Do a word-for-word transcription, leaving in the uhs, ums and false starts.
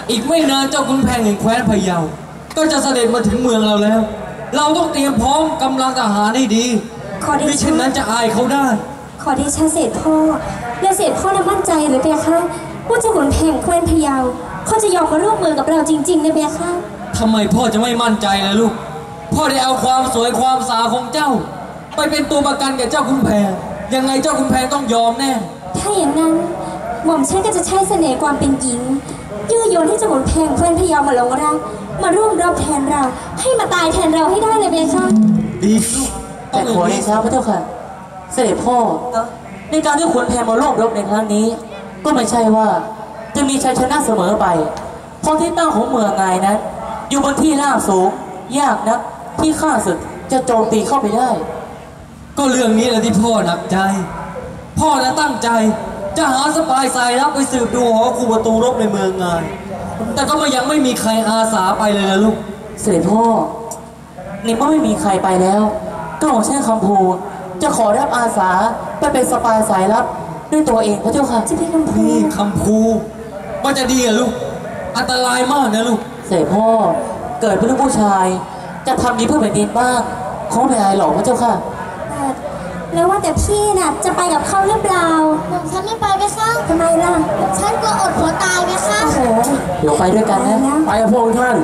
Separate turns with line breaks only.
อีกไม่นานเจ้าขุนแผนแห่งแคว้นพะเยาก็จะเสด็จมาถึงเมืองเราแล้วเราต้องเตรียมพร้อมกำลังทหารให้ดีไม่เช่นนั้นจะอายเขาได้
ขอเดชะเสด็จพ่อและเสด็จพ่อน่ะมั่นใจหรือเปล่าคะว่าเจ้าขุนแผนแคว้นพะเยาเขาจะยอมมาร่วมมือกับเราจริงๆนะเบคะ
ทำไมพ่อจะไม่มั่นใจล่ะลูกพ่อได้เอาความสวยความสาวของเจ้าไปเป็นตัวประกันแก่เจ้าขุนแผนยังไงเจ้าขุนแผนต้องยอมแน่
ถ้าอย่างนั้นหม่อมฉันก็จะใช้เสน่ห์ความเป็นหญิงยื่อโยนให้เจ้าขุนแผนแคว้นพะเยามาหลงรักมาร่วมรบแทนเราให้มาตายแทนเราให้ได้เลยเบคะ
ดีลูก
แต่ขอเดชะพระเจ้าค่ะเสด็จพ่อในการที่ขุนแผนมาร่วมรบในครั้งนี้ก็ไม่ใช่ว่าจะมีชัยชนะเสมอไปเพราะที่ตั้งของเมืองไงนั้นอยู่บนที่ราบสูงยากนักที่ข้าศึกจะโจมตีเข้าไปได้
ก็เรื่องนี้แหละที่พ่อหนักใจพ่อนะตั้งใจจะหาสปายสายลับไปสืบดูหอคูประตูรบในเมืองไงแต่ก็มายังไม่มีใครอาสาไปเลยนะลูก
เสด็จพ่อในเมื่อไม่มีใครไปแล้วก็ของเช่นคำพูจะขอรับอาสาไปเป็นสปายสายลับด้วยตัวเองพระเจ้าค่ะ
จะเป็นคำพู
นี่คำพูว่าจะดีอะลูกอันตรายมากนะลูก
เสด็จพ่อเกิดเป็นลูกผู้ชายจะทำดีเพื่อแผ่นดินบ้างเขาไม่อายหรอกพระเจ้าค่ะ
แล้วว่าแต่พี่น่ะจะไปกับเขาหรือเปล่าฉันไม่ไปไหมคะทำไมล่ะฉันกลัวอดหัวตายไหมคะโอ้โห
เดี๋ยวไปด้วยกันนะ
ไปกับพวกท่าน